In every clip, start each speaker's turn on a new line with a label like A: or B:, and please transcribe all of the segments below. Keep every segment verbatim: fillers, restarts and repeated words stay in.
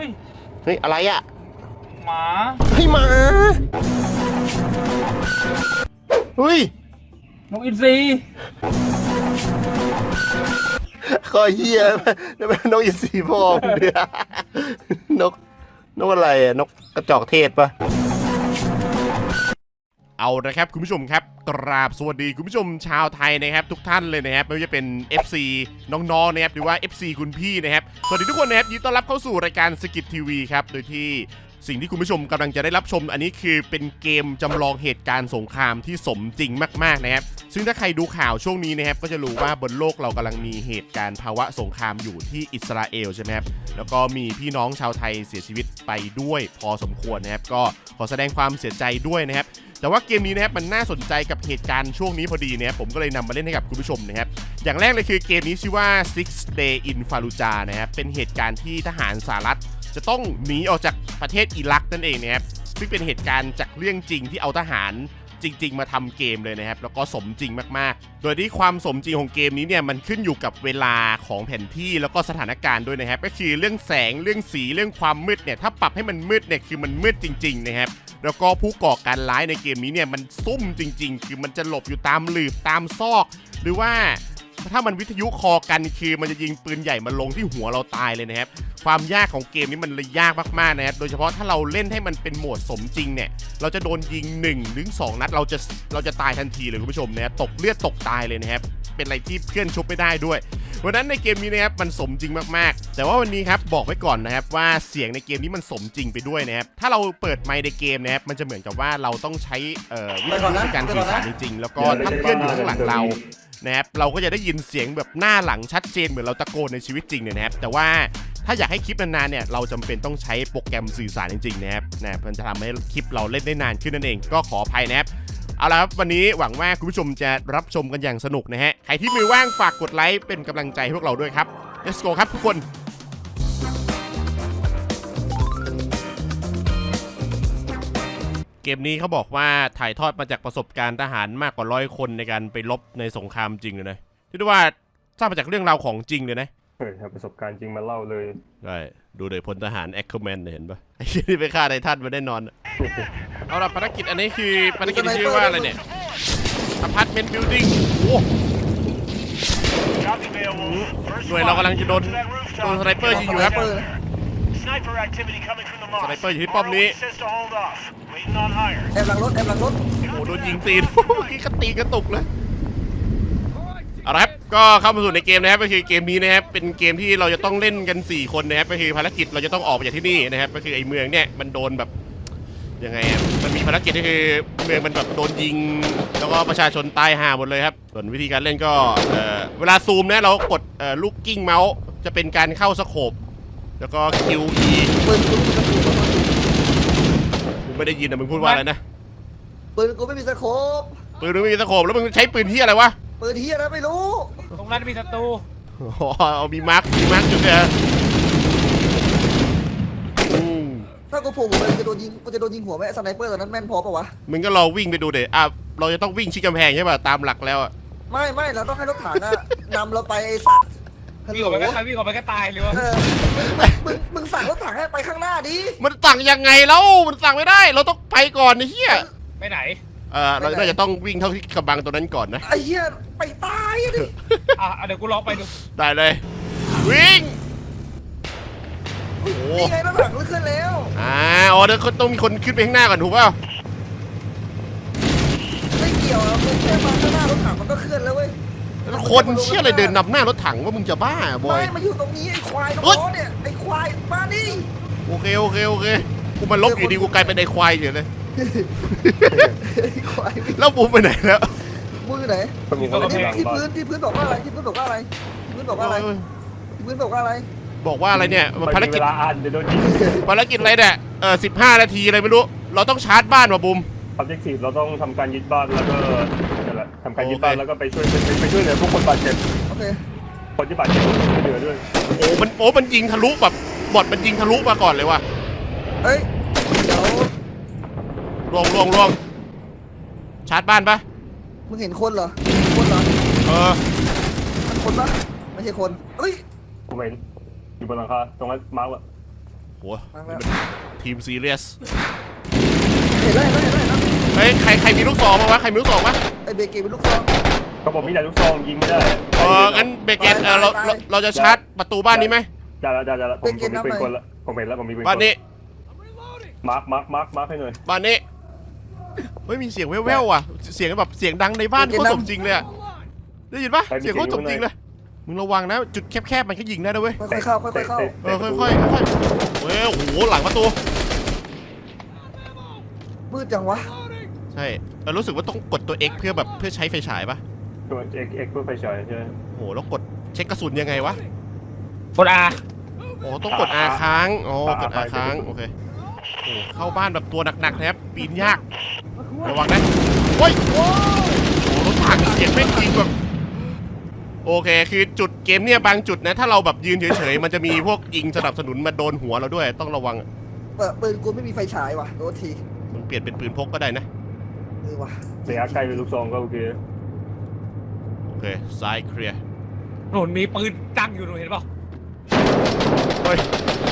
A: ย
B: เฮ้ยอะไรอ่ะ
A: หมา
B: เฮ้ยหมาเฮ้ย
A: นกอินทรี
B: ก็เหี้ยแล้วนกอินทรีพ่อมึงเดือนกนกอะไรอ่ะนกกระจอกเทศปะเอานะครับคุณผู้ชมครับกราบสวัสดีคุณผู้ชมชาวไทยนะครับทุกท่านเลยนะครับไม่ว่าจะเป็น เอฟ ซี น้องๆนะครับหรือว่า เอฟ ซี คุณพี่นะครับสวัสดีทุกคนนะครับยินดีต้อนรับเข้าสู่รายการสกิททีวีครับโดยที่สิ่งที่คุณผู้ชมกำลังจะได้รับชมอันนี้คือเป็นเกมจำลองเหตุการณ์สงครามที่สมจริงมากๆนะครับซึ่งถ้าใครดูข่าวช่วงนี้นะครับก็จะรู้ว่าบนโลกเรากำลังมีเหตุการณ์ภาวะสงครามอยู่ที่อิสราเอลใช่ไหมครับแล้วก็มีพี่น้องชาวไทยเสียชีวิตไปด้วยพอสมควรนะครับก็ขอแสดงความเสียใจด้วยนะครับแต่ว่าเกมนี้นะครับมันน่าสนใจกับเหตุการณ์ช่วงนี้พอดีนะครับผมก็เลยนำมาเล่นให้กับคุณผู้ชมนะครับอย่างแรกเลยคือเกมนี้ชื่อว่า six day in Fallujah นะครับเป็นเหตุการณ์ที่ทหารสหรัฐจะต้องหนีออกจากประเทศอิรักนั่นเองนะครับซึ่งเป็นเหตุการณ์จากเรื่องจริงที่เอาทหารจริงๆมาทำเกมเลยนะครับแล้วก็สมจริงมากๆโดยที่ความสมจริงของเกมนี้เนี่ยมันขึ้นอยู่กับเวลาของแผนที่แล้วก็สถานการณ์ด้วยนะครับก็คือเรื่องแสงเรื่องสีเรื่องความมืดเนี่ยถ้าปรับให้มันมืดเนี่ยคือมันมืดจริงๆนะครับแล้วก็ผู้ก่อการร้ายในเกมนี้เนี่ยมันซุ่มจริงๆคือมันจะหลบอยู่ตามหลืบตามซอกหรือว่าถ้ามันวิทยุคอกันคือมันจะยิงปืนใหญ่มาลงที่หัวเราตายเลยนะครับความยากของเกมนี้มันเลยยากมากๆนะครับโดยเฉพาะถ้าเราเล่นให้มันเป็นโหมดสมจริงเนี่ยเราจะโดนยิงหนึ่งถึงสองนัดเราจะเราจะตายทันทีเลยคุณผู้ชมนะตกเลือดตกตายเลยนะครับเป็นอะไรที่เพื่อนชุบไม่ได้ด้วยวันนั้นในเกมนี้นะครับมันสมจริงมากๆแต่ว่าวันนี้ครับบอกไว้ก่อนนะครับว่าเสียงในเกมนี้มันสมจริงไปด้วยนะครับถ้าเราเปิดไมค์ในเกมนะครับมันจะเหมือนกับว่าเราต้องใช้เอ่อวิธีในการสื่อสารจริงๆแล้วก็ถ้าเพื่อนอยู่ข้างหลังเรานะครับเราก็จะได้ยินเสียงแบบหน้าหลังชัดเจนเหมือนเราตะโกนในชีวิตจริงเนี่ยนะครับแต่ว่าถ้าอยากให้คลิปนานๆเนี่ยเราจำเป็นต้องใช้โปรแกรมสื่อสารจริงๆนะครับนะมันจะทำให้คลิปเราเล่นได้นานขึ้นนั่นเองก็ขออภัยนะครับเอาละครับวันนี้หวังว่าคุณผู้ชมจะรับชมกันอย่างสนุกนะฮะใครที่มือว่างฝากกดไลค์เป็นกำลังใจให้พวกเราด้วยครับ let's go ครับทุกคนเกมนี้เขาบอกว่าถ่ายทอดมาจากประสบการณ์ทหารมากกว่าร้อยคนในการไปรบในสงครามจริงเลยนะที่เรียกว่าสร้างมาจากเรื่องราวของจริงเลยนะ
C: เฮ้ยประสบการณ์จริงมาเล่าเลย
B: ใช่ดูเลยพลทหารแอคเคอร์แมนเห็นปะไอ้ที่ไปฆ่าไททันมาได้นอนเอาละภารกิจอันนี้คือภารกิจที่ชื่อว่าอะไรเนี่ยอพาร์ตเมนต์บิลดิ้งโอ้หน่วยเรากำลังจะโดนโดนสไนเปอร์ยิงอยู่ครับสไนเปอร์อยู่ที่ป้อมนี้
D: แอบหลังรถแอบหลังรถ
B: โอ้โดนยิงตีนเมื่อกี้ก็ตีกระตุกเลยเอาละครับก็เข้ามาสู่ในเกมนะครับก็คือเกมนี้นะครับเป็นเกมที่เราจะต้องเล่นกันสี่คนนะครับก็คือภารกิจเราจะต้องออกไปจากที่นี่นะครับก็คือไอ้เมืองเนี่ยมันโดนแบบยังไงมันมีภารกิจก็คือเมืองมันแบบโดนยิงแล้วก็ประชาชนตายห่าหมดเลยครับส่วนวิธีการเล่นก็เอ่อเวลาซูมนะเรากดเอ่อลูกกิ้งเมาส์จะเป็นการเข้าสโคปแล้วก็ คิว อี
D: ปืนกูไม่มีสโคป
B: กูไม่ได้ยินนะมึงพูดว่าอะไรนะ
D: ปืนกูไม่มีสโคป
B: ปืนมึงไม่มีสโคปแล้วมึงใช้ปืนที่อะไรวะ
D: ปืนที่อะไรไม่รู้
A: ตรงนั้นมีศัตรู
B: อ๋อมีมาร์คมีมาร์คจุดเนี่ย
D: ถ้ากูโผล่หัวไปกูจะโดนยิงกูจะโดนยิงหัวไหมสไนเปอร์ตอนนั้นแม่นพอปะวะ
B: มึงก็รอวิ่งไปดูเดี๋ยวอ่ะเราจะต้องวิ่งชิดกำแพงใช่ป่ะตามหลักแล้วอ่ะ
D: ไม่ไม่เราต้องให้รถถังอะนำเราไปไอ้สัตว์
A: วิ่งออกไปก็ตายวิ่งออกไปก็ตายเลยวะ
D: มึงมึงสั่งรถถังให้ไปข้างหน้าดิ
B: มันสั่งยังไงแล้วมันสั่งไม่ได้เราต้องไปก่อนไอ้เหี้ย
A: ไปไหน
B: เออเราน่าจะต้องวิ่งเท่าที่กำบังตัวนั้นก่อนนะ
D: ไอ้เหี้ยไปตายดิ
A: อ่ะเดี๋ยวกูลองไปดู
B: ได้เลยวิ่ง
D: นี่ไงรถถังมันขึ้นแล้ว
B: อ่าอ๋อเดี๋ยวต้องมีคนขึ้นไปข้างหน้าก่อนถูกเปล่า
D: ไม่เกี่ยวมึงแค่มาข้างหน้ารถถังมันก็ขึ้นแล้วเว้ย
B: คนเชี่ยอะไรเดินนำหน้ารถถังว่ามึงจะบ้าบอย
D: ไม่มาอยู่ตรงนี้ไอ้ควายตรงโน้นเนี่ยไอ้ควายมาดิ
B: โอเคโอเคโอเคกูมาลบอยู่ดีกูกลายเป็นไอ้ควายเฉยเลยแล้วบูมไปไหนแล้ว
D: บูมอยู่ไหนที่พื้นที่พื้นบอกว่าอะไรที่พื้นบอกว่าอะไรที่พื้นบอกว่าอะไรที่พื้นบอกว่าอะไร
B: บอกว่าอะไรเนี่ยภารกิจ
C: เวลาอ่านเดี๋ยวโดนยิง
B: ภารกิจอะไรเนี่ยเออสิบห้านาทีอะไรไม่รู้เราต้องชาร์จบ้านว่ะบูม
C: ออบเจกตีฟเราต้องทำการยึดบ้านแล้วก็นั่นแหละทำการยึดบ้านแล้วก็ไปช่วยไปช่วยเหลือผู้คนบาดเจ็บ
D: โอเค
C: คนที่บาดเจ็บช่วยเหลือด้วย
B: โอ้มันโอ้มันยิงทะลุแบบบอดมันยิงทะลุมาก่อนเลยว่ะ
D: เฮ้ยเดี๋ยว
B: ลงลงลงชาร์จบ้านปะ
D: มึงเห็นคนเหรอคนเหรอ
B: เออ
D: มันคนปะไม่ใช่คนเฮ้ย
C: ผมเห็นอยู่บนหลังคาตรงนั้นมาร์กว่ะ
B: โหทีมซีเรียส
D: เห็นแล้วเห็นแล้วเห็นแล้ว
B: เฮ้ยใครใครมีลูกซองมั้งวะใครมีลูกซองมั้ย
D: ไอเบเกตเป็นลูกซอง
C: ก็ผมมีแต่ลูกซองยิงไม่ได้
B: เอองั้นเบเกตเออเราเราเราจะชาร์จประตูบ้านนี้ไหม
C: ได้แล้วได้แล้วผมผมมีปืนคนละผมเห็นแล้วผมมีปืนคน
B: บ้านนี้
C: มาร์คมาร์คมาร์คมาร์คให้หน่อย
B: บ้านนี้เฮ้ยมีเสียงแว่วๆอ่ะเสียงแบบเสียงดังในบ้านโคตรสมจริงเลยอ่ะได้ยินปะเสียงโคตรสมจริงเลยมึงระวังนะจุดแคบๆมันก็ยิงได้นะเว้ย
D: ค่อยๆเข้าค่อยๆเข้า
B: เออค่อยๆค่อยๆเฮ้ยโอ้โหหลังประตู
D: มืดจังวะ
B: ใช่เรารู้สึกว่าต้องกดตัว X เพื่อแบบเพื่อใช้ไฟฉายปะ
C: ตัวเอ็กเอ็กเพื่อไฟฉายใช่ไหม
B: โอ้โหแล้วกดเช็คกระสุนยังไงวะ
A: กดอา
B: โอ้ต้องกด R ค้างอ๋อกด R ค้างโอเคโอ้เข้าบ้านแบบตัวหนักๆนะครับปีนยากระวังนะโอ้ยโอ้รถถังเสียงแม่งจริงแบบโอเคคือจุดเกมเนี่ยบางจุดนะถ้าเราแบบยืนเฉยๆมันจะมีพวกยิงสนับสนุนมาโดนหัวเราด้วยต้องระวัง
D: เปิดปืนกูไม่มีไฟฉายว่ะโทษที
B: มึงเปลี่ยนเป็นปืนพกก็ได้นะ
D: เออว่ะ
C: ระยะใกล้เป็นลูกซองก็โอเค
B: โอเคซ้ายเคลียร์
A: หนุนมีปืนตั้งอยู่หนูเห็นป่ะ
B: เฮ้ย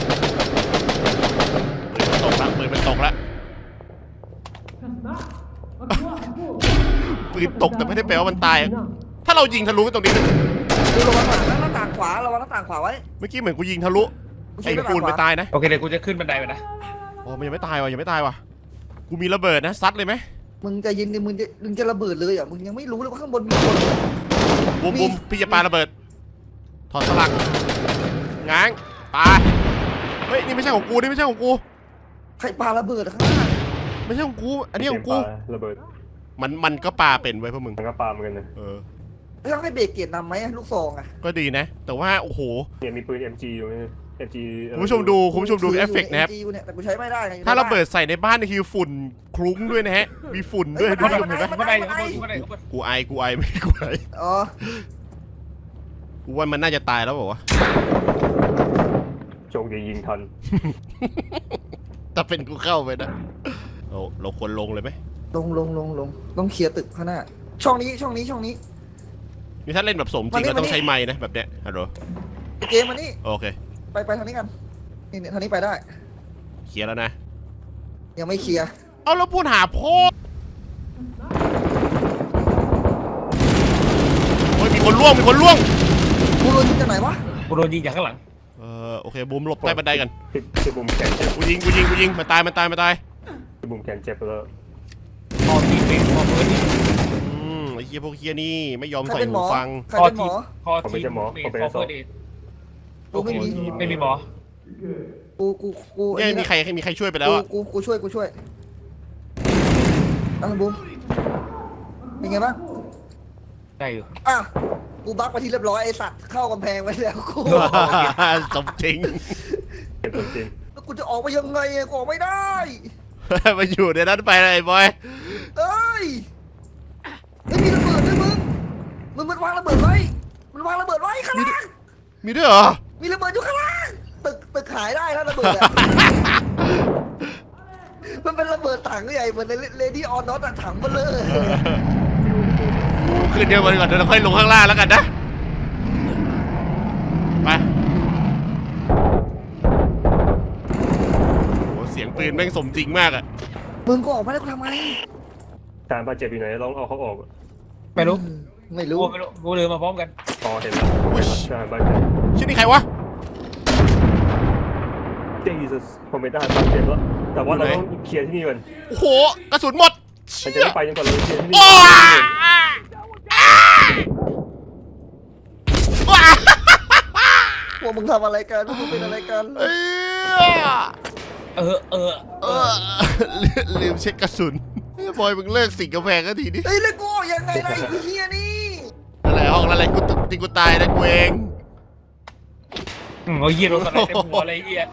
B: ปืนมันตกละปืนมันตกละปืนตกแต่ไม่ได้แปลว่ามันตายถ้าเรายิงทะลุตรงนี้
D: ดูระวังหลังหน้าต่างขวาระวังหน้าต่างขวาไว้
B: เมื่อกี้เหมือนกูยิงทะลุไอ้ปูนไปตายนะ
A: โอเคเดี๋ยวกูจะขึ้นบันไดไปนะ
B: อ๋อมันยังไม่ตายว่ะยังไม่ตายว่ะกูมีระเบิดนะซัดเลยไหม
D: มึงจะยินดิมึงจะมึงจะระเบิดเลยอ่ะมึงยังไม่รู้เลยว่าข้างบนมีคน
B: บุ้มบุ้มพี่จะปาระเบิดถอดสลักง้างปาเฮ้ยนี่ไม่ใช่ของกูนี่ไม่ใช่ของกู
D: ใครปาระเบิดข้างหน้า
B: ไม่ใช่ของกูอันนี้ของกู
C: ระเบิด
B: มันมันก็ปาเป็นไว้พวกมึง
C: มันก็ปาเหมือนกันนะ
B: เออ
D: แล้วต้องให้เบรกเกียรนำไหมลูกซองอ่ะ
B: ก็ดีนะ แต่ว่าโอ้โห
C: เนี่ยมีปืน เอ็ม จี อยู่นี่ เอ็ม จี
B: คุณผู้ชมดูคุณผู้ชมดูเอฟเฟกต์นะครับ
D: เนี่ยแต่กูใช้ไม่ได้ไง
B: ถ้าระเบิดใส่ในบ้านนี่คือฝุ่นคลุ้งด้วยนะฮะมีฝุ่นด้วยดูดิเห็นไหม
A: บันไดอยู่ข้างบนบันไดข้างบน
B: กูไอกูไอไม่กูไอ
D: อ๋อ
B: กูว่ามันน่าจะตายแล้วบอกว่าวะ
C: โชคดียิงทัน
B: ถ้าเป็นกูเข้าไปนะเราเราควรลงเลยไหม
D: ลงลงลงลงต้องเคลียร์ตึกข้างหน้าช่องนี้ช่องนี้ช่องนี้
B: นี่ถ้าเล่นแบบสมจริง
D: มานี่
B: เราต้อง
D: มานี่
B: ใช้ไม้นะแบบเนี้ยฮัลโหล
D: ไอเกมมานี่
B: โอเค
D: ไปไปทางนี้กันนี่เนี่ยทางนี้ไปได้
B: เคลียร์แล้วนะ
D: ยังไม่เคลียร์
B: เอาแล้วพูดหาพ่อโอ้ยมีคนล่วงมีคนล่วง
D: กูโดนยิงจากไหนวะ
A: กูโดนยิงจากข้างหลัง
B: เออโอเคบูมหลบใต้บันไดกัน
C: ที่ที่บุมแขนเจ็บ
B: กูยิงกูยิงกูยิงมันตายมันตายมันตาย
C: ที่บุมแขนเจ็บแล้ว
A: พอทีเป็นพอเพื่อนที่
B: อืมไอ้เฮียพวกเฮียนี่ไม่ยอม
D: ใคร
B: ใส่
D: เป็นหม
B: หู
D: อ
B: ฟัง
D: ใคร
A: พอ
D: เป็นหม
A: ที
D: อ
A: พอทีเป็นพอเพื่อนเอง
D: กูไม่มี
A: ไม่มีหมอ
D: กูกูกู
B: เนี่ยมีใครมีใครช่วยไปแล้ว
D: กู
B: อ่ะ
D: กูกูช่วยกูช่วยอ่ะบูมเป็นไงบ้าง
A: ได้อยู่
D: อ่ะกูบักไปที่เรียบร้อยไอสัตว์เข้ากำแพงไว้แล้วกู
B: สมจริง
C: เจ็บจริง
D: แล้วกูจะออกไปยังไงอะกูออกไม่ได้
B: มาอยู่ในนั้นไปเลยบอย
D: เอ้ยไม่มีระเบิดด้วยมึงมึงมันวางระเบิดไว้มันวางระเบิดไว้ข้างล่าง
B: มีด้วยเหรอ
D: มีระเบิดอยู่ข้างล่างตึกตึกขายได้นะระเบิดอะ มันเป็นระเบิดถังใหญ่เหมือนในเลดี้ออนน็อตถังเบลเลอร์
B: ขึ้นเดียวกันก่อนเดี๋ยวเราค่อยลงข้างล่างแล้วกันนะไปโอ้เสียงปืนแม่งสมจริงมากอะ
D: มึงก็ออกมาได้กูทำไม
C: ๆการบาดเจ็บอยู่ไหนลองเอาเขาออก
A: ไม่รู้
D: ไม่
A: กู
D: รู้
A: ไม่รู้กูเลยมาพร้อมกัน
C: อ๋อเห็นแล้วการบาดเจ็บ
B: ชื่อนี่ใครวะ
C: Jesus ผมไม่ได้บาดเจ็บแล้วแต่ว่าเราต้องเคลียร์ที่นี่ก่อน
B: โอ้โหกระสุนหมด
C: มันจะไม่ไปจนกว่าเราเคลียร์ที่นี่
B: โอ้ว้า
D: พวกมึงทำอะไรกันพวกมึงเป็นอะไรกัน
B: เอ้ย
A: เออเออ
B: เออลืมเช็คกระสุนบอยมึงเลิกสิงกาแฟก็ทีนี้
D: เฮ้ยแล้วกูออกยังไงล่ะไอ้เฮียนี่
B: อะไรห้องอะไรกูจริงกูตายนะกูเอง
A: อืมเอาเยี่ยรถอะไรเต็มหัวอะไรเยี่ย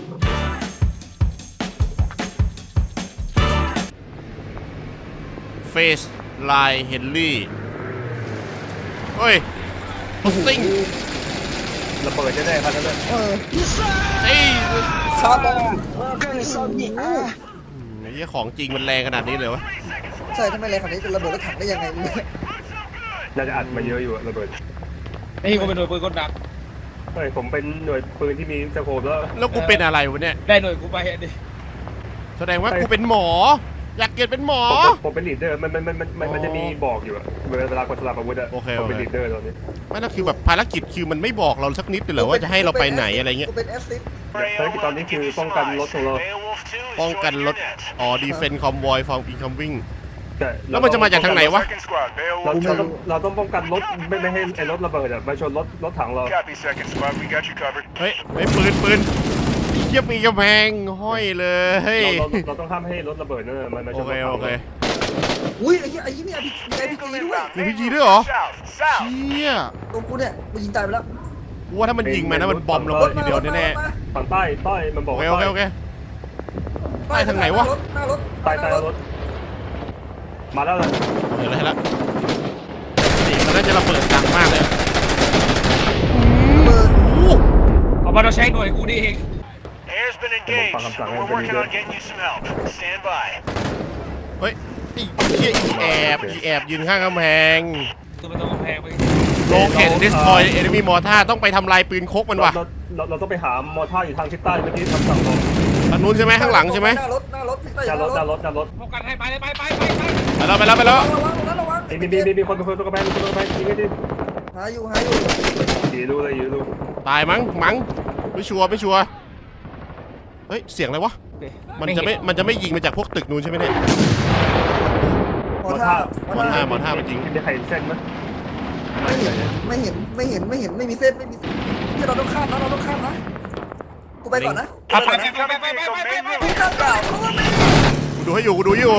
B: เฟสไลน์เฮนรี่เฮ้ยซิง
C: ระเบิดแน่ๆครับนั่นแหละ
D: เออ
B: เอ้ย
D: คาร์บอน
B: ไอ้เหี้ยของจริงมันแรงขนาดนี้เลยวะ
D: ใช่ทำไมแรงขนาดนี้จะระเบิดรถถังได้ยังไงเนี่ย
C: น่าจะอัดมาเยอะอยู่ระเบิด
A: ไอ้กูเป็นหน่วยปืนกลดัก
C: เฮ้ยผมเป็นหน่วยปืนที่มีสโคปแล้ว
B: แล้วกูเป็นอะไรวะเนี่ย
A: ได้หน่วยกูไปอ่ะดิ
B: แสดงว่ากูเป็นหมอ อยากเกิดเป็นหมอ
C: ผมผมเป็นลีดเดอร์มันมันมันมันมันมันจะมีบอกอยู่อะเวลากดสลับอาวุธอะ
B: โอเค
C: ผมเป็น
B: โอเค
C: ลีดเดอร์ตอนนี้
B: ไม่นั่นคือแบบภารกิจคือมันไม่บอกเราสักนิดเลยเหรอว่าจะให้เราไปไหนอะไรเงี้ย
D: กูเป็นแอสซิส
C: ภารกิจตอนนี้คือป้องกันรถของเรา
B: ป้องกันรถ อ๋อ defend convoy from incoming
C: แต่
B: แล้วมันจะมาจากทางไหนวะ
C: เราเราต้องเราต้องป้องกันรถไม่ไม่ให้ไอ้รถระเบิดอะมาชนรถรถถังเรา
E: Copy, second squad. We got you covered.
B: เฮ้ยเฮ้ยปืนปืนเทียบมีกำแพงห้อยเลย
C: เราเราเราต้องห้ามให้รถระเบิดนั่นน่ะมันมาช
B: โอน
C: ร
B: เค
C: ถถัง
B: โอเค
C: เรา
D: อุ้ยไอ้เหี้ยไอ้เหี้ยนี่ไอ้พีจีด้วย
B: มีพีจีด้วยเหรอ
E: South, south.
B: เชี่ย
D: ตรงกูเนี่ยกูยิงตายไปแล้ว
B: กูว่าถ้ามันยิงมานะมันบอมระเบิดทีเดียวแน่
C: ฝั่งใต้ใต้มันบ
B: ๆ
C: อก
B: โอเค
C: ว่า
B: โอเคโอเค ใต้ทางไหนวะ
D: หน้ารถ
C: ใต้ใต้รถมาแล้วเลย
B: เห็นแล้วเห็นแล้วเสียงมันน่าจะระเบิดดังมากเลย
D: เบิร์
B: โอ้โห
A: เอามาเราใช้หน่วยกูนี่เอง
E: Air's been engaged. but We're working on getting you some help. Stand by.
B: เฮ้ยไอ้เชี่ยอีแอบอีแอบยืนข้างกำแพง
A: ตัวมันต้องกำแพงไป
B: โลเกตดิสทอยเอนมี่มอร์ท่าต้องไปทำลายปืนคกมันว่ะ
C: เราเราเราต้องไปหามอท่าอยู่ทางทิศใต้เมื่อกี้ทำสั่งลง
B: ทางนู้นใช่ไหมข้างหลังใช่ไหม
D: หน้ารถหน้ารถใต้
C: หน้ารถหน้ารถหน้ารถ
A: พบกันให้ไปเลยไปไปไปไป
B: ไปแล้วไปแล้วไปแล้ว
D: ระวังระวังระวัง
C: มีมีมีมีคนเป็นคนตรงกระแพงคนตรงกระแพงยิงให้ดิ
D: หาอยู่หาอยู่
C: ยีรู้เลยยีรู้
B: ตายมั้งมั้งไม่ชัวร์ไม่ชัวร์เฮ้ยเสียงอะไรวะมันจะไม่มันจะไม่ยิงมาจากพวกตึกนู้นใช่ไหมเนี่ย
D: หมอท่า
B: หมอท่าหมอท่ามันยิง
C: มีใครเห็นเส้นไหม
D: ไม่เห็นไม่เห็นไม่เห็นไม่เห็นไม่มีเส้นไม่มีที่เราต้องข้ามนะเราต้องข้ามนะกูไปก่อนนะ
A: ไปไปไปไปไปไปไปไป
D: พี่ข้ามเปล่าเพราะว่าไม่
B: กูดูให้อยู่กูดูอยู่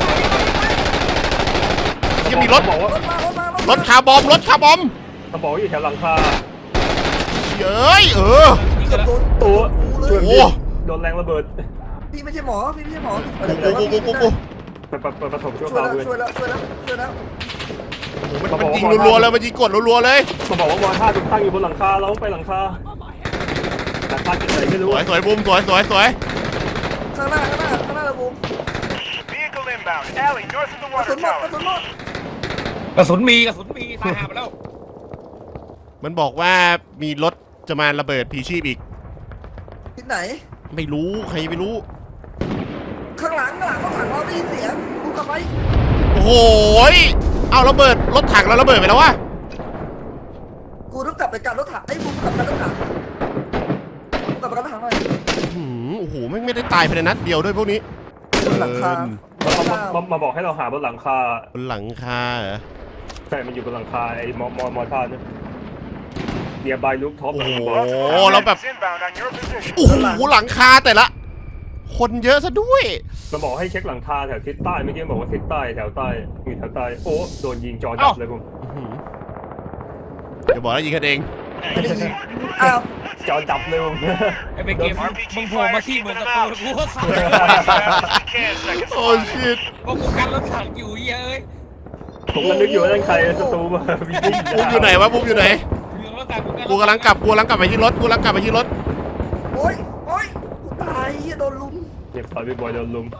B: ยังมีรถ
C: บอกว่าร
D: ถมารถมารถ
B: รถคาร์บอมรถคาร์บอม
C: เขาบอกว่าอยู่แถวหลังคา
B: เย้ยเออ
D: เกือบโดน
C: ตัวช่วย
B: โอ้
C: โดนแรงระเบิด
D: พี่ไม่ใช่หมอพี่ไม่ใช่หมอ
B: กูกูกูกูกู
C: ไปไปไปประถมช่วย
D: ช่วย
C: เขา
D: แล้ว
C: ด้วย
D: ช่วยแล้วช่วยแล้วช่วยแล้ว
B: มันมันยิงรัวๆเลยมันยิงกดรัวๆเลย
C: เขาบอกว่ามอท่าตั้งอยู่บนหลังคาเราไปหลังคาหลังคาจุดไหนไม่
B: ส
C: รู้
B: วยสวยบูมสวยสวยสวย
D: ข้างหน้าข้างหน้าข้างหน้าระบุ
E: Vehicle inbound. Alley, north of the
D: กระสุ
E: water
D: นหมดกระ
E: tower.
D: สุนหมด
A: กระสุนมีกระสุนมีตายหาไปแล้ว
B: มันบอกว่ามีรถจะมาระเบิดพีชีพอีก
D: ที่ไหน
B: ไม่รู้ใครไม่รู้
D: ข้างหลังข้างหลังรถถังเราได้ยินเสียงดูกลับไป
B: โอ้โหยเอาระเบิดรถถังเราระเบิดไปแล้ววะ
D: กูต้องกลับไปกันรถถังไอ้บูมกลับกันรถถังกูกลับไปกันรถถังหน่อย
B: หืมโอ้โหไม่ไม่ได้ตายภายในนัดเดียวด้วยพวกนี้
D: บนหลังคา
C: มามามามาบอกให้เราหาบนหลังคา
B: บนหลังคาเหรอ
C: ใช่มันอยู่บนหลังคาไอ้มอมอมอท่าเนี่ยเนียบายลูกท็อป
B: โอ้โห
E: Multiple
B: แล้วแบบ
E: enemies inbound on your position.
B: โอ้โหหลังคาแต่ละ คนเยอะซะด้วย
C: มันบอกให้เช็คหลังคาแถวทิศใต้เมื่อกี้บอกว่าทิศใต้แถวใต้อยู่แถวใต้โอ้โดนยิงจอดับเลยผม
B: อื้อหืออย่าบอกนะยิงกันเอง
D: ไม่ได้ยินอ้าว
C: จอดับเลยผม
A: ไอ้เบเกมมึงโผล่มาที่เหมือนตะปูกูก็สั่ง
E: Can, second
B: โอ้
E: squad.
B: ชิต
A: ก็กูกันรถถังอยู่เย้ย
C: ผมก็นึกอยู่ว่านั่นใครศัตรูมาวิ่ง
B: ปุ๊บอยู่ไหนวะปุ๊บอยู่ไหน
A: อยู่รถถัง
B: กูกำลังกลับกูกำลังกลับไปที่รถกูกำลังกลับไปที่รถ
D: โอ๊ยโอ๊ยกูตายเหี้ยโดนลุม
C: เก็บตอนพี่บอยโดนลุม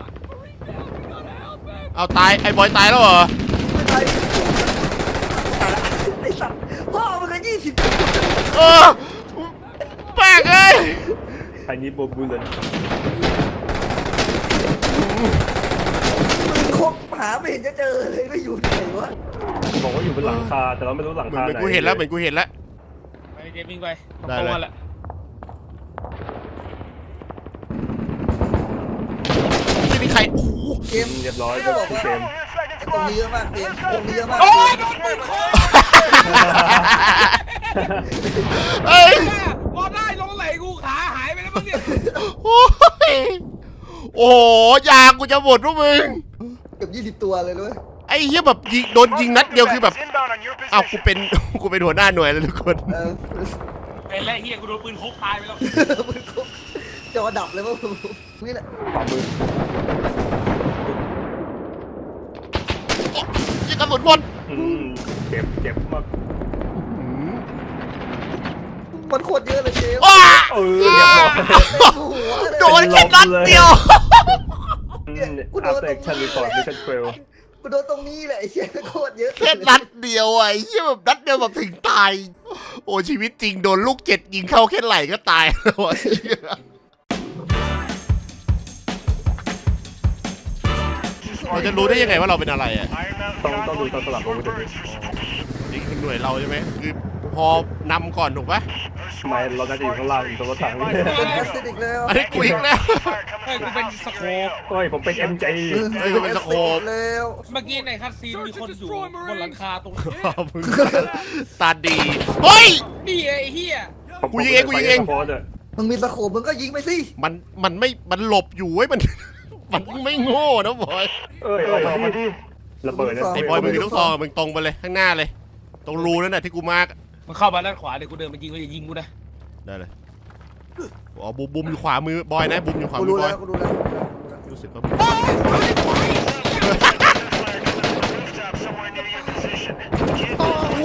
B: เอาตายไอ้บอยตายแล้วเหรอ
D: ไม่ตายตายละไอ้สัตว์พ่อมันก็ยี่สิบ
B: เออแปลกเอ้ย
C: ใครนี้โบบูเลน
D: มึงคบหาไม่เห็นจะเจอเลยก็อยู่ไหนวะ
C: บอกว่าอยู่บนหลังคาแต่เราไม่รู้หลัง
B: เหมือน
C: คา
B: เหมือน
C: ไหน
B: กูเห็นแล้วเหมือนกูเห็นแล้ว
A: ไปเกมวิ่งไป
B: ได้เลย
A: แหละ
B: ไม่มีใครโอ้โห
D: เกม
C: เรียบร้อย
D: ไม่ได้บอก
C: ทุก
D: ว่า
C: เกม
D: ไอ้ตรงนี้เยอะมากเกมตรงนี้เยอะมาก
A: โอ้ยโดนปืนโค
B: เอ้ย
A: มอได้ลงไหลกูขาหายไปแล้วมั้งเนี่ย
B: โอ้ยโอ้โหยากูจะหมดพวกมึง
D: เกือบยี่สิบตัวเลยด้วย
B: ไอ้เหี้ยแบบยิงโดนยิงนัดเดียวคือแบบ
E: Inbound on your
B: อ้าวกู
E: position.
B: เป็น กูเป็นหัวหน้าหน่วยแล้วทุกคน
D: เออ
A: ไอ้แรกเฮียกูโดนปืนโคกตายไปแล้ว
D: มึงคบจอดับเลยว่านี่แหละ
C: ฝ่ามือ
B: ยิงกระสุนหมด
C: อืมเจ็บเจ็บมาก
D: มันโคตรเยอะเลยเกม
B: ว้า
C: เออเรียบร้อย
D: หัวเลย
B: โดนแค่นัดเดียว
C: อืมอาร์เต็กชันรีพอร์ตมิชชั่นเฟล
D: กูโดนตรงนี้แหละไอ้เหี้ยโคตรเยอะ
B: แค่นัดเดียวอ่ะไอ้เหี้ยแบบนัดเดียวแบบถึงตายโอ้ชีวิตจริงโดนลูกเจ็ดยิงเข้าแค่ไหล่ก็ตายแล้วไอ้เหี้ยเราจะรู้ได้ยังไงว่าเราเป็นอะไรอ่ะ
E: Iron Mountain
C: ต้องต้องดูตอนสลับ
E: convoy,
C: อาวุธ
E: your
C: ด้วย
E: birds.
B: นี่คือหน่วยเราใช่ไหมคือพอนำก่อนถูกปะ
C: ทำไมเราน่าจะอยู่ข้างล่างอยู่ตรงรถถังนี่
D: เป็นแอสซิดอีกแล้ว
B: อันนี้กูอีกแล้ว
E: Fire
A: เฮ้ย
E: coming
A: กู
E: from
A: เป็น
E: the
A: ส
E: house.
A: โค
E: Here
A: ป
E: you go.
C: เฮ้ยผมเป็น เอ็ม เจ
B: เฮ้ยกูเป็นสโคป
D: แล้ว
A: เมื่อกี้ในคัสซีนมีคนอยู่บนหลังคาตรงนี้
B: มึงตาดีเฮ้ย
A: นี่ไอ้เหี้ย
B: กูยิงเองกูยิงเอง
C: โพสต์อะ
D: มึงมีสโคปมึงก็ยิงไปสิ
B: มันมันไม่มันหลบอยู่เว้ยมันมันไม่โง่นะบอย
C: เอ้ยออกมาดิระเบิดนะ
B: ไอ้บอยมึงมีลูกซองมึงตรงไปเลยข้างหน้าเลย ตรงรูนั่นน่ะที่กูมาร์ก
A: มันเข้ามาด้านขวาเดี๋ยวกูเดินมายิงกูจะยิงกูนะ
B: ได้เลยอ๋อบุมบุมอยู่ขวามือบอยนะบุมอยู่ขวา
D: กู
B: มื
D: รู้
B: อบอ
D: แล้
B: ยว
D: กูรู้แล้ว
B: รู้สึกว่า
E: Fire coming from the rooftop somewhere near your position. Get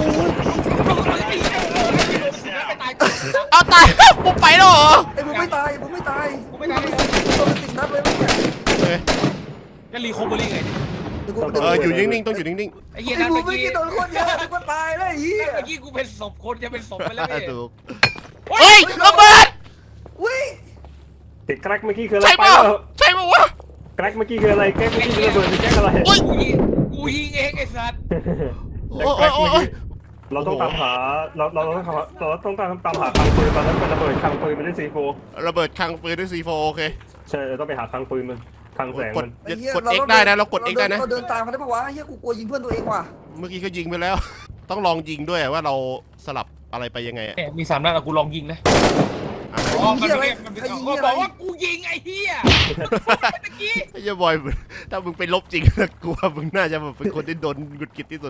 B: เอาตายบุมไปแล้วเหรอ
D: ไอ้มึงไม่ตายมึงไม่ตาย
A: กูไม่ได้เลย
D: โดนติดนัดเลยมั้งเนี่ย
B: เออ
A: ก็รีโคเวอรี่ไง
D: เดี๋ยวกู
B: เอออยู่นิ่งๆต้องอยู่นิ่ง
A: ไอ้เหี้ย
D: ไอ้
A: นั่น
D: มึ
A: เมื่
D: ง
A: อ
D: ไม่
A: กี้
D: กินโดนคนเยอะกูก็ตายแล้วไอ้เหี้ย
A: เมื่อกี้กูเป็นศพคนจะเป็นศพไปแล้วพี่
B: ๆถูกเฮ้ยระเบิด
D: วิ่ง
C: ติดแกรกเมื่อกี้คืออะไร
B: ใช่
C: ไป
B: ป่ะ
C: แล้ว
B: ใช่ป่ะวะ
C: แกรกเมื่อกี้คืออะไรแกรกเมื่อกี้คือระเบิดหรือแกรกอะไร
B: โอ้ย
A: กูยิงกูยิงเองไอ้สัตว์
B: โอ้ยโอ้ยโอ้ย
C: เราต้องตามหาเราเราต้องหาเราต้องตามตามหาคลังปืนตอนนั้นเป็นระเบิดคลังปืนมันได้ซีโฟ
B: ระเบิดคลังปืนด้วยซีโฟโอเค
C: ใช่เราต้องไปหาคลังปืนมันคลังแสง
B: กด
C: มัน
D: ไอ้เหี้ย
B: กด X ได้นะเรากด X ได้นะ
D: เราเดินตามเขาได้ปะวะเหี้ยกูกลัวยิงเพื่อนตัวเองว่ะ
B: เมื่อกี้ก็ยิงไปแล้ว ต้องลองยิงด้วยว่าเราสลับอะไรไปยังไงอะ
A: แหมมีสามนัดอะกูลองยิงนะ
B: อ่ะ
A: อ๋อมันไม่มันไม่ก็บอกว่ากูยิงไอ้เหี้ยเมื่อกี้
B: ไอ้เหี้ยบอยถ้ามึงไปลบจริงนะกูว่ามึงน่าจะแบบเป็นคนที่โดนหงุดหงิดที่สุด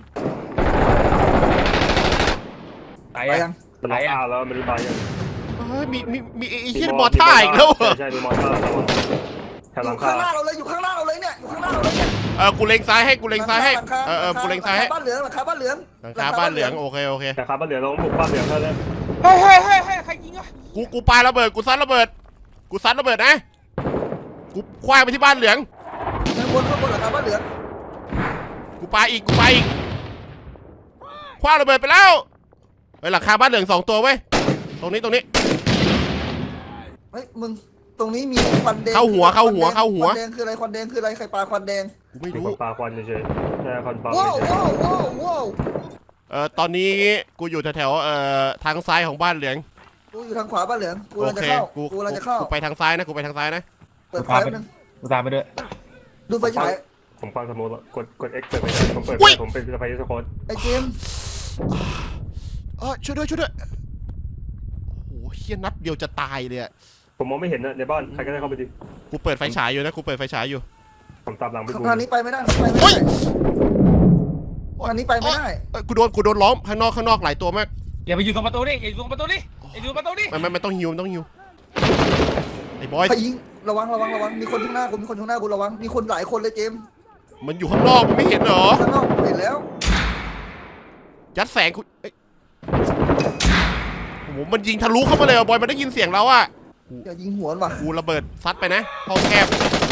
A: ตาย
D: ไป
A: ยั
D: ยัง ง
C: มันล็อกอาแล้วมันรีบายยัง
B: เฮ้ยมีมีมีไอ้เหี้ยมอท่าอีกแล้วเหรอ
C: ใช่มีมอท่าแล้วแถว
D: อ
C: หลั
D: ยู่
C: ง
D: ข้า
C: คาง
D: หน้าเราเลยอยู่ข้างหน้าเราเลยเนี่ยอยู่ข้างหน้าเราเลยเนี่ย
B: เออกูเล็งซ้ายให้กูเล็งซ้ายให้
D: หลังค
B: เออเออกูเล็งซ้ายให้
D: หลัคบ้านเหลืองหลังคาบ้านเหลือง
B: หลังคาบ้านเหลืองโอเคโอเค
C: แต่ครับบ้านเหลืองเราต้องบุกบ้านเหลืองเท่านั้น
A: เฮ้ยเฮ้ยเฮ้ยเฮ้ยใครยิงอ่ะ
B: กูกูปาระเบิดกูซัดระเบิดกูซัดระเบิดนะกูคว้างไปที่บ้านเหลือง
D: ข้างบนข้างบนหลังคาบ้านเหลือง
B: กูปาอีกกูปาอีกคว้างระเบิดไปแล้วเฮ้ยหลังคาบ้านเหลืองสองตัวเว้ยตรงนี้ตรงนี้
D: เฮ้ยมึงตรงนี้มีควันแดง
B: เข้าหัวเข้าหัวเข้าหัว
D: ควันแดงคืออะไรควันแดงคืออะไรใครปาควันแดง
B: กูไม่
C: มี
B: รู้
C: คนปาควันเฉยๆใช่ควันปา
D: ว้าวว้าวว้าวว้าว
B: เอ่อตอนนี้กูอยู่แถวๆเอ่อทางซ้ายของบ้านเหลือง
D: กูอยู่ทางขวาบ้านเหลืองกู
B: โอก
D: ำลังจะ
B: เค
D: เข้า
B: กู
D: กูกำลังจะเข้า
B: กูไปทางซ้ายนะกูไปทางซ้ายนะ
D: เปิดไฟแป๊บนึง
A: กูตามไปด้วย
D: ดูไฟฉาย
C: ผมฟังสมมติว่ากดกด X เปิดไปผมเปิดผมเป็นสไปซ์สโคต
D: ไอ้เจมส์
B: เออช่วยด้วยช่วยด้วยโอ้โหเฮี้ยนัดเดียวจะตายเลยอะ
C: ผมมองไม่เห็นนะในบ้านใครก็ได้เข้าไปดิ
B: กูเปิดไฟฉายอยู่นะกูเปิดไฟฉายอยู่
C: ผมตามหลังไปดู
D: ทางนี้ไปไม่ได้ทางนี้ไปไม่
B: โอ้
D: ได้
B: ย
D: ทางนี้ไปไม่ได้
B: เอ้ยกูโดนกูโดนล้อมข้างนอกข้างนอกหลายตัวมาก
A: อย่าไปอยู่ตรงประตูดิอย่าอยู่ตรงประตูดิอย่าอยู่ตรงประตูดิ
B: มันมันมันต้องฮิวมันต้องฮิวไอ้บอย
D: ใครยิงระวังระวังระวังมีคนข้างหน้ากูมีคนข้างหน้ากูระวังมีคนหลายคนเลยเจมส์
B: มันอยู่ข้างนอกมึงไม่เห็นเหรอ
D: ข้างนอกเห็นแล้ว
B: ยัดแสงกูเอ้ยโอ้โหมันยิงทะลุเข้ามาเลยอ่ะบอยมันได้ยินเสียงเราอ่ะ
D: อย่ายิงหัวมันว่ะ
B: กูระเบิดซัดไปนะห้องแคบ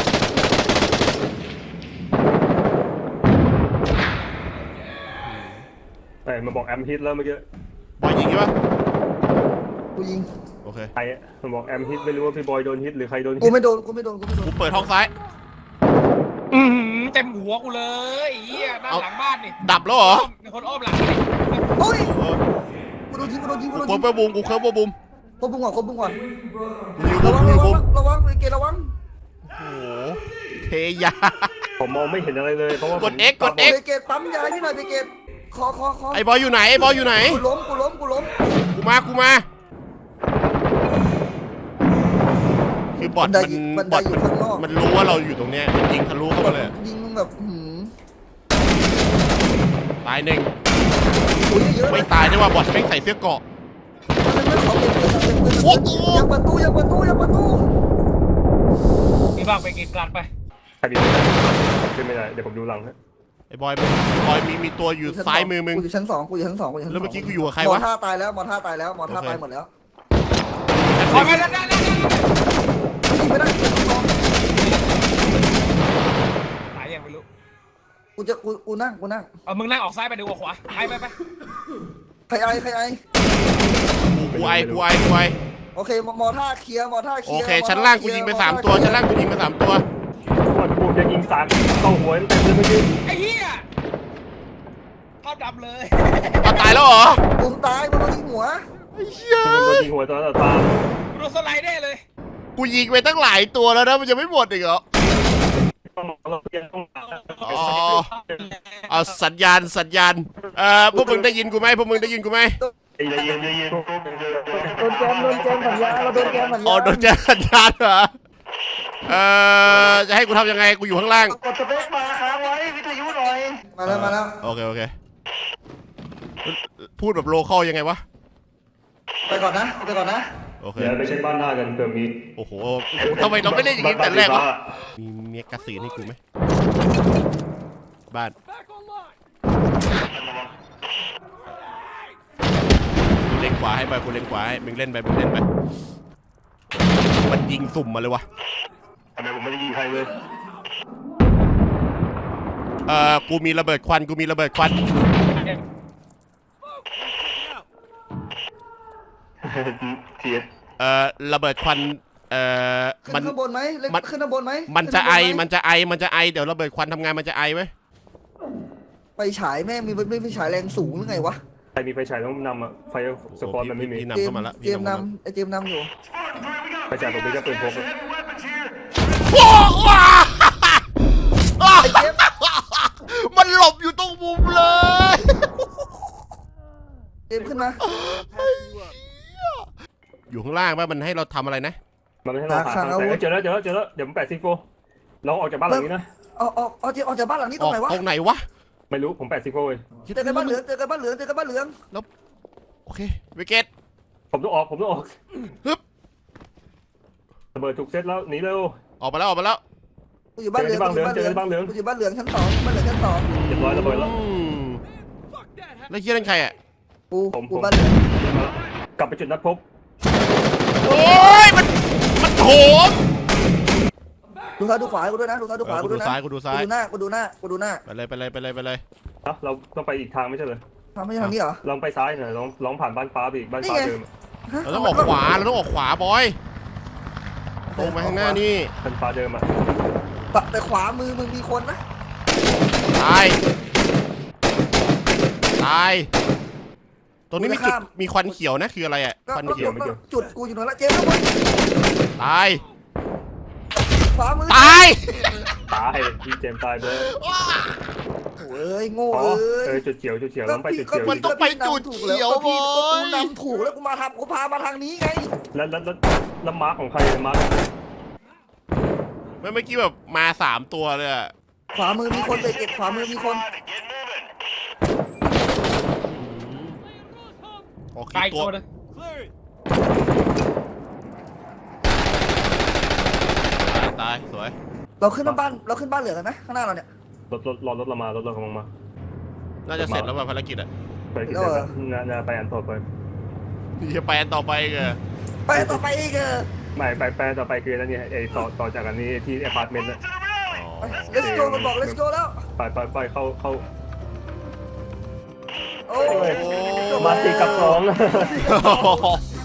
C: แต่มาบอกแอมฮิตแล้วเมื่อกี้
B: บอยยิงใช่ปะ
D: กูยิง
B: โอเค
C: ใครมันบอกแอมฮิตไม่รู้ว่าพี่บอยโดนฮิตหรือใครโดนฮิ
D: กู
C: ต
D: ไม่โดนกูไม่โดนกูไม่โดน
B: กูเปิดห้องซ้าย
A: อือหือเต็มหัวกูเลยไอ้เหี้ยด้านหลังบ้านนี่
B: ดับแล้วเหรอ
A: มีคนอ้อมหลังนี่
D: โอ้ย
B: เออ
D: กูโดนยิงกูโดนยิงกูโดน
B: กู
D: ยิง
B: เพิ่มบูมกูเพิ่มบูม
D: คบบุ้งก่อนคบบุ้งก่อน
B: กูฮิวบู
D: ระ
B: ม
D: วัง
B: กูฮิ
D: ระ
B: ว
D: วั
B: บู
D: ง
B: ม
D: ระวังไอ้เกระวัง
B: โอ้โหเทยา
C: ผมมองไม่เห็นอะไรเลยเพราะว่าก
B: ด X กด
D: เบเกตปั๊มยาที่หน่อยเบเกตคอคอคอ
B: ไอ้บอยอยู่ไหนไอ้บอยอยู่ไหน
D: กูล้มกูล้มกูล้ม
B: กูมากูมาคือบอทมันบอทมันมันรู้ว่าเราอยู่ตรงเนี้ยมันยิงทะลุเข้ามาเลย
D: ยิงแบบหืม
B: ตายหนึ่ง
D: โอ้ยเยอะ
B: ไม่ตายด้วยว่าบอทไม่งใส่เสื้อเกราะ
D: อย่าเปิดตู้อย่าเปิดตู้อย่าเปิดตู้
A: มีบ้างไปเกณฑ์การไป
C: ใครดีขึ้นไม่ได้เดี๋ยวผมดูหลังฮะ
B: ไอ้บอยบอยมีมีตัวอยู่ซ้ายมือมึง
D: กูอยู่ชั้นสองกูอยู่ชั้นสองกูอยู่ชั้นสอง
B: แล้วเมื่อกี้กูอยู่กับใคร
D: มอ
B: วะ
D: ท่าตายแล้วมอท่าตายแล้วมอท่าตายหมดแล้ว
A: ขอไปได้ได้ได้
D: ยิงไม่ได้ชั้นสอง
A: ตายยังไม่รู้
D: กูจะกูกูนั่งกูนั่ง
A: เอามึงนั่งออกซ้ายไปเดี๋ยวออกขวาไปไปไป
D: ใครไอใครไอ
B: กูไอกูไอกูไอ
D: โอเคมอท่าเคลียร์มอท่าเค
B: โอ
D: ลียร์
B: เคชั้นล่างกูยิงไปสามตัวชั้นล่างกูยิงไปสามตัว
C: ก่อนกูจะยิงสามเข้าหัวเต็มเลยเมื่อกี้
A: ไอ้เหี้ยภาพดำเลย
B: เอาตายแล้วเหรอ
D: มึงตายมึงโดนยิงหัว
B: ไอ้เหี้ย
C: มันโดนยิงหัวตอนต่อตา
A: กูโดนสไลด์ได้เลย
B: กูยิงไปตั้งหลายตัวแล้วนะมันจะไม่หมดอีกเหรอ
C: ต้องเราเรียนต้อง
B: อ๋อเอาสัญญาณสัญญาณเอ่อพวกมึงได้ยินกูไหมพวกมึงได้ยินกูไหม
C: ใจเย็นใจเย็น
D: โดนแกมโดนแกมสัญญาเราโดนแกมสัญญา
B: อ๋อโดนแจ้งสัญญาณเหรอเอ่อจะให้กูทำยังไงกูอยู่ข้างล่าง
D: กดสเปคมาค้างไว้วิทยุหน่อยมาแล้วมาแล้ว
B: โอเคโอเคพูดแบบโลคอลยังไงวะ
D: ไปก่อนนะไปก่อนนะ
B: โอเค
C: เดี๋ยวไปเช็คบ้านหน้ากันเผื่อมี
B: โอ้โหทำไมเราไม่เล่นอย่างนี้แต่แรกวะมีเมียกระสีนให้กูไหมบ้านกูเล่นขวาให้ไปกูเล่นขวาให้มึงเล่นไปมึงเล่นไปมันยิงสุ่มมาเลยวะ
C: ทำไมผมไม่ได้ยิงใครเลย
B: เอ่อกูมีระเบิดควันกูมีระเบิดควัน
C: เทียด
B: เอ่อระเบิดควันเอ่อ
D: ขึ้
B: มัน
D: นข้างบนไหมเล็ก
B: มัน
D: ขึ้นข้างบนไหม
B: มันจะไอ
D: ขึ้
B: มัน นจะไอมันจะไอเดี๋ยวระเบิดควันทำงานมันจะไอไว้ย
D: ไปฉายแม่งมีไม่ไม่ฉายแรงสูงหรือไงวะ
C: ใครมีไฟฉายต้องนำอ่ะไฟสปอร์ตมันไม่มี
B: พี่นำ
D: เจม
B: เข้ามาละ
D: เจมนำไอเจมนำอยู่
C: ไฟฉายผมมีแค่ปืนพก
E: Weapons here.
B: โอ้ว้า
D: ไอเจม
B: มันหลบอยู่ตรงมุมเลย
D: เจมขึ้นมา
B: อยู่ข้างล่างป่ะมันให้เราทำอะไรนะ
C: มันไม่ให้เราหาทางแต่เจอแล้วเจอแล้วเจอแล้วเดี๋ยวผมแปดซิโฟเราออกจากบ้านหลังนี้นะ
D: เอาเอาเอาเจมออกจากบ้านหลังนี้
B: อ
D: ตร
B: อง ก
D: ไหนวะ
B: ตรงไหนวะ
C: ไม่รู้ผมแปดซิโฟเลย
D: เจอกันบ้านเหลืองเจอกันบ้านเหลืองเจอกันบ้านเหลือง
B: โอเควิกเกต
C: ผมต้องออกผมต้องออก
B: ฮึบ
C: ระเบิดถูกเซตแล้วหนีเร็ว
B: ออกมาแล้วออกมาแล้ว
D: กูอยู่บ้านเหลืองกูอยู่บ้านเหลือง
C: เจอกันบ้านเหลือง
D: กูอยู่บ้านเหลืองชั้นสองบ้านเหลืองชั้นสอง
C: เรียบร้อยระเบิดแล้ว
B: อืมแล้วเฮียนั่นใครอ่ะ
D: กู
C: ผม
D: กู
C: ผม
D: บ้านเหลือง
C: กลับไปจุดนัดพบ
B: โอ้ยมันมันโถม
D: ดูซ้ายดูขวาให้กูด้วยนะดูซ้ายดูขวา
B: เออ
D: กู
B: กู
D: ด้
B: ดู
D: วยนะ
B: ซ้ายกูดูซ้าย
D: กูดูหน้ากูดูหน้ากูดูหน้า
B: ไปเลยไปเลยไปเลยไปเลย
C: นะเราต้องไปอีกทางไม่ใช่เหรอ
D: ทำไม่ใช่ทางนี้เหรอ
C: ลองไปซ้ายหน่อยลองลองผ่านบ้านฟ้าไปอีกบ้านฟ้า
D: นี่ไง
C: เดิม
D: ฮะ
B: เราต้องออกขวาเราต้องออกขวาบอยตรงไปข้างหน้านี่
C: บ้านฟ้าเดิมอ่ะ
D: แต่แต่ขวามือมึงมีคนนะ
B: ตายตายตรงนี้มีจุดมีควันเขียวนะคืออะไรอ่ะ
D: ก็
B: ควัน
D: ก็
B: เขียว
D: ก็จุดกูอยู่ตรงนั้นละเจมส์ข้างบน
B: ตาย
D: ขวามือ
B: ตาย
C: ตายพี่เจมส์ตายเลย
D: โอ้ยโง่
C: อ๋อ
D: เอ้ย
C: เออจุดเขียวจุดเขียวต้องไปจุดเขียว
B: มันต้องไปจุดเขียว
D: ก็พี่
B: บ
D: ก็
B: อ
D: กู
B: ย
D: นำถูกแล้วกูมาทำกูพามาทางนี้ไง
C: แล้วแล้วแล้วแล้วมาร์คของใครมาร์ค
B: เมื่อกี้แบบมาสามตัวเลยอะ
D: ขวามือมีคนเลยเก็บขวามือมีคน
E: Get moving.
B: โอเค
A: ตาย
B: ตัว
A: ตัวนึง
B: ตายตายสวย
D: เราขึ้นบ้านเราขึ้นบ้านเหลืองกันไหมข้างหน้าเราเนี่ย
C: รถรถรอรถเรามารถเรากำลังมา
B: น่าจะเสร็จแล้วป่ะภารกิจอะ
C: ไปกินเสร็จแล้วน่าน่าไปอันต่อไป
B: จะไปอันต่อไปกัน
D: ไปต่อไปอีกเออ
C: ไม่ไปไปต่อไปคือนั่นนี่ไอ้ต่อต่อจากอันนี้ที่อพาร์ตเมนต์นะ
E: To the rally.
D: ไป let's go มันบอก let's go แล้ว
C: ไปไปไปเข้าเข้า
D: โอ้
C: โอ้
D: ย
C: ยมาสี่กับสอง
B: โอ้โห